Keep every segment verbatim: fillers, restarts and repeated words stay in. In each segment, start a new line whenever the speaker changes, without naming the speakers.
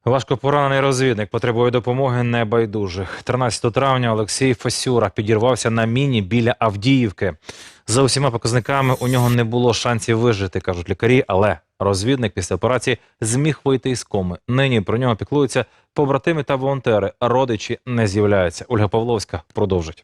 Важко поранений розвідник потребує допомоги небайдужих. тринадцятого травня Олексій Фесюра підірвався на міні біля Авдіївки. За усіма показниками у нього не було шансів вижити, кажуть лікарі, але розвідник після операції зміг вийти із коми. Нині про нього піклуються побратими та волонтери, родичі не з'являються. Ольга Павловська продовжить.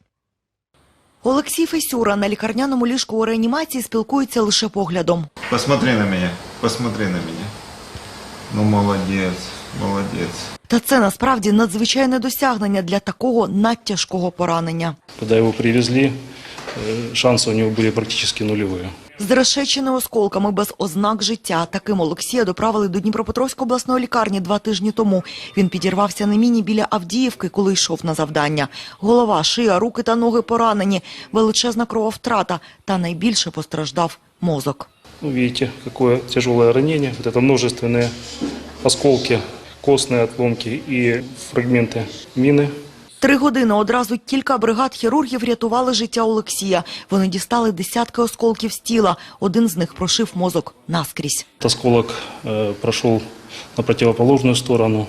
Олексій Фесюра на лікарняному ліжку у реанімації спілкується лише поглядом.
Посмотри на мене, посмотри на мене. Ну, молодець, молодець.
Та це насправді надзвичайне досягнення для такого надтяжкого поранення.
Коли його привезли, шанси у нього були практично нульові.
Зрешечений осколками без ознак життя. Таким Олексія доправили до Дніпропетровської обласної лікарні два тижні тому. Він підірвався на міні біля Авдіївки, коли йшов на завдання. Голова, шия, руки та ноги поранені, величезна крововтрата та найбільше постраждав мозок.
Ну, видите, какое тяжелое ранение. Вот это множественные осколки, костные отломки и фрагменты мины.
Три години одразу кілька бригад хірургів рятували життя Олексія. Вони дістали десятки осколків з тіла. Один з них прошив мозок наскрізь.
Осколок э, прошел на противоположную сторону.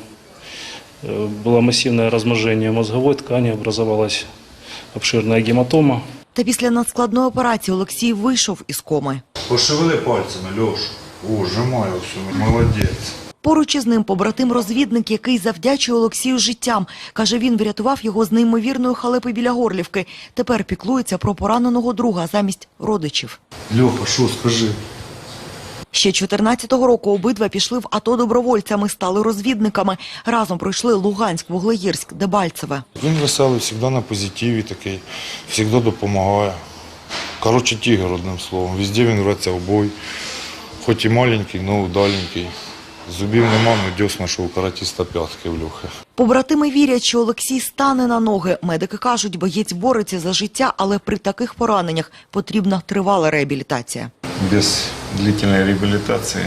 Э, было массивное разможение мозговой ткани, образовалась обширная гематома.
Та після надскладної операції Олексій вийшов із коми.
Пошевели пальцями, Льош. О, жимаю все, молодець.
Поруч із ним побратим-розвідник, який завдячує Олексію життям. Каже, він врятував його з неймовірної халепи біля Горлівки. Тепер піклується про пораненого друга замість родичів.
Льоха, що, скажи?
Ще чотирнадцятого року обидва пішли в АТО добровольцями, стали розвідниками. Разом пройшли Луганськ, Вуглеєрськ, Дебальцеве.
Він веселий, завжди на позитиві такий, завжди допомагає. Коротше, тігр, одним словом. Везде він рветься в бой. Хоч і маленький, але удаленький. Зубів нема, але дьосна, що у каратіста п'ятки в Льохи.
Побратими вірять, що Олексій стане на ноги. Медики кажуть, боєць бореться за життя, але при таких пораненнях потрібна тривала реабілітація.
Без длительной реабилитации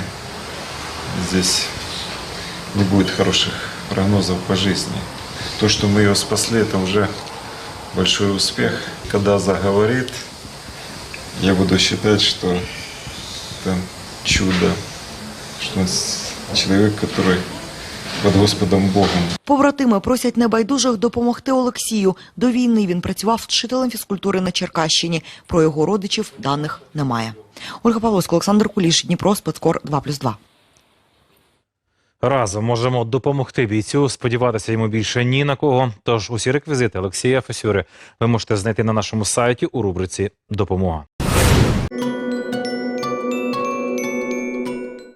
здесь не будет хороших прогнозов по жизни. То, что мы ее спасли, это уже большой успех. Когда заговорит, я буду считать, что это чудо, что человек, который под Господом Богом.
Побратими просять небайдужих допомогти Олексію. До війни він працював вчителем фізкультури на Черкащині. Про його родичів даних немає. Ольга Павловська, Олександр Куліш, Дніпро, Спецкор два плюс два.
Разом можемо допомогти бійцю, сподіватися йому більше ні на кого. Тож усі реквізити Олексія Фесюри ви можете знайти на нашому сайті у рубриці «Допомога».